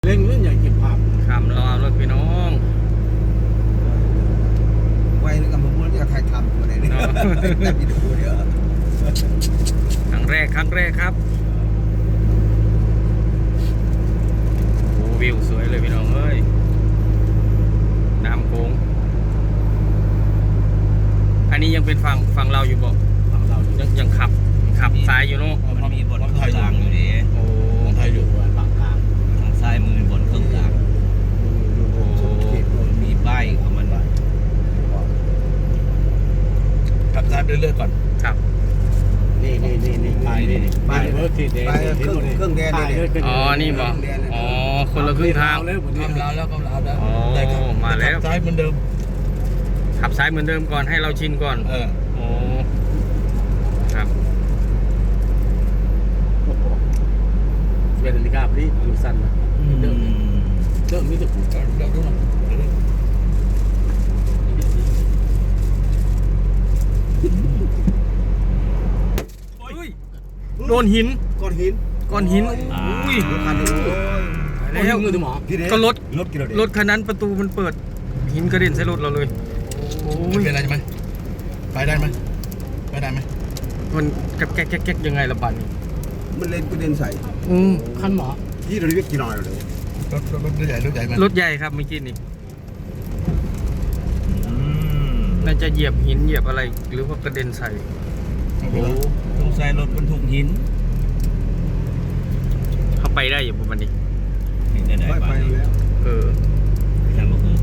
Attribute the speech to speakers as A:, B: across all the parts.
A: เร่งเรื่องอย่างเก็บภาพ
B: ขำรอรถพี่น้อง
C: ไว้กับมันจะถ่ายทำอะไรเนี่ยแต่วิดีโอเยอะ
B: ครั้งแรกครับโอ้วิวสวยเลยพี่น้องเอ้ยน้ำโค้งอันนี้ยังเป็นฝั่งเราอยู่บอก
A: ฝั่งเรา
B: ยังขับซ้ายอยู่เนาะ
D: มันมีบนเครื่องกลางอยู่ดิ
B: โอ้
A: ของไทยอยู่ฝั่งกลาง
D: ทางซ้ายมือบนเครื่องกลางมีป้ายของมันขับซ้ายไปเรื่อยๆก่อน
B: ครับ
A: นี่ไปเวิร์กที่เดน
C: เครื่องแดนเนี่ย
B: อ๋อนี่บอกอ๋อคนละครึ่งทาง
A: เลยผม
D: กำลาวแล้ว
B: อ๋อมาแล้ว
D: ซ้ายเหมือนเดิม
B: ขับซ้ายเหมือนเดิมก่อนให้เราชินก่อนโอ้ครับ
A: เป็นนาฬิกาพอดีดูสั้นนะเดิมนี่จะผูกกันเดิม
B: โดนหิน
C: ก้อนหิน
B: อุ้ย
A: แล้วมือหมอ
B: ก็รถคันนั้นประตูมันเปิดหินกระเด็นใส่รถเราเลยโอ้ย
D: เป็นอะไรไหมไปได้ไหม
B: มันแก๊กยังไงละบาดนี้
C: มันเล่นกระเด็นใส่
A: คันหมอ
C: ที่เราเรียกกี่หน่อยเลย
D: รถใหญ่ไหม
B: รถใหญ่ครับเมื่อกี้นี่น่าจะเหยียบหินเหยียบอะไรหรือว่ากระเด็นใส่
D: โอ้โหต้องใส่รถบรรทุกหิน
B: เข้าไปได้อยู่ประมาณนี้
D: ได้
C: ไปแล้ว
D: ทำมาคือ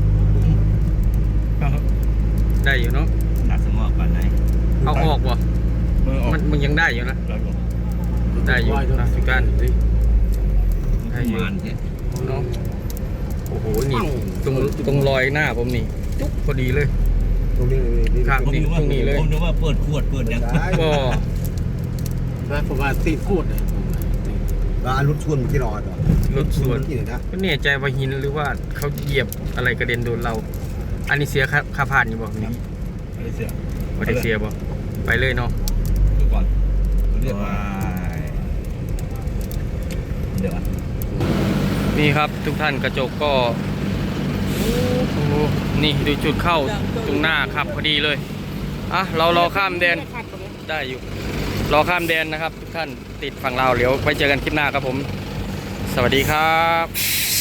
B: ได้อยู่เนาะ
D: หนักสมองป่านไหน
B: เอาออกวะมันยังได้อยู่นะได้อยู่นะสุการได้อยู่เนาะโอ้โหนี่ตรงรอยหน้าผมนี่จุ๊บพอดีเลย
C: ตรงนี้
B: ครับนี่ตรงนี้เลย
D: ผมนึกว่าเปิดขวดเปิดยัง
B: ก็
A: แล้วผมว่าตีขวดเลย
C: รถชวนมันที่นอน
B: รถสวนก็เนี่ยใจว่าหินหรือว่าเขาเหยียบอะไรกระเด็นโดนเราอันนี้เสียค่าผ่านอยู่บอกนี่
D: ไม่ได้เ
B: สียบอกไปเลยเนาะ
D: ดูก่อนเรียกมาเดี๋ยว
B: นี่ครับทุกท่านกระจกก็นี่ดูจุดเข้าตรงหน้าครับพอดีเลยอ่ะเรารอข้ามแดนได้อยู่รอข้ามแดนนะครับทุกท่านติดฝั่งเราวเดี๋ยวไปเจอกันคลิปหน้าครับผมสวัสดีครับ